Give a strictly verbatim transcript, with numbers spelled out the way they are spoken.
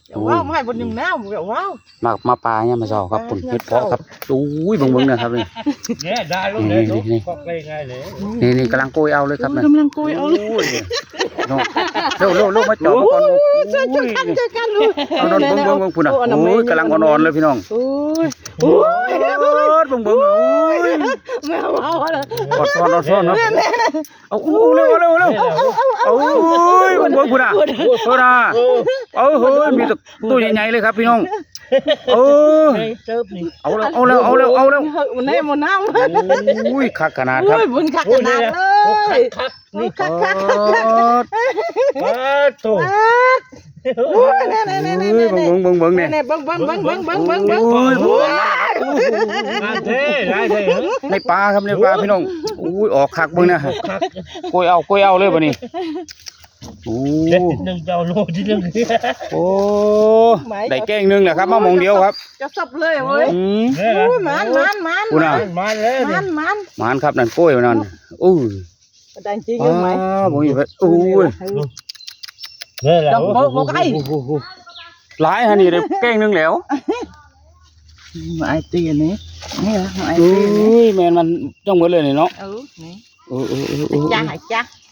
ว้าวไม่บนหนึ่งน้ำว้าวมามาปลาเนี่ยมาสอครับปุ่นเห็ดเพาะครับอุ้ยเบิ่งเบิ่งนะครับนี่เนี่ยได้ลูกเลยลูกก็ไปง่ายเลยนี่นี่กำลังโกยเอาเลยครับนะกำลังโกยเอาเลยเร็วเร็วเร็วมาจ่อมาก่อนเจอกันเจอกันลูกเอานอนเบิ่งเบิ่งเบิ่งพุ่นอ่ะโอ้ยกำลังอ่อนๆเลยพี่น้องโอ้ยโอ้ยเบิ่งเบิ่งโอ้ยแมวเอาเลยอดซ้อนอดซ้อนเนาะเอาอู้เร็วเร็วเร็วเอาโอ้ยเบิ่งเบิ่งพุ่นอ่ะพุ่นอ่ะเอาเฮ้ยมีตัวใหญ่ๆเลยครับพี่น้องเออเติบนี่เอาแล้วเอาแล้วเอาแล้วเอาแล้วมันให้มันน้ำอุ้ยคักขนาดครับโอ้ยบุญคักขนาดเลยคักนี่นี่คักคักมาโตโอ้ยเนี่ยเนี่ยเนี่ยเนี่ยเนี่ยเบิ่งเบิ่งเบิ่งเนี่ยเนี่ยเบิ้งเบิ้งเบิ้งเบิ้งเบิ้งเบิ้งเบิ้งโอ้ยมาเท่ได้เลยในปลาครับในปลาพี่น้องอุ้ยออกคักเบิ่งนะคักโกยเอาโกยเอาเลยบ่นี่โอ้เด็ดหนึ่งเจ้าโลที่หนึ่งโอ้ได้แกงหนึงแหละครับมามองเดียวครับจะสับเลยเว้ยอืมเนี่ยโอ้ยมันมันมันคุณน่ะมาเลยมันมันหมานครับนั่นโกยนั่นอู้ยได้จริงยังไหมอ้าวบ่มีไปอู้ยเนี่ยแหละหลายฮะนี่ได้แกงหนึงแล้วไอตีอันนี้นี่นะไออุ้ตีอันนี้ยแม่นมันต้องหมดเลยนี่เนาะเออนี่เออเออเออเออจ้าหายจ้า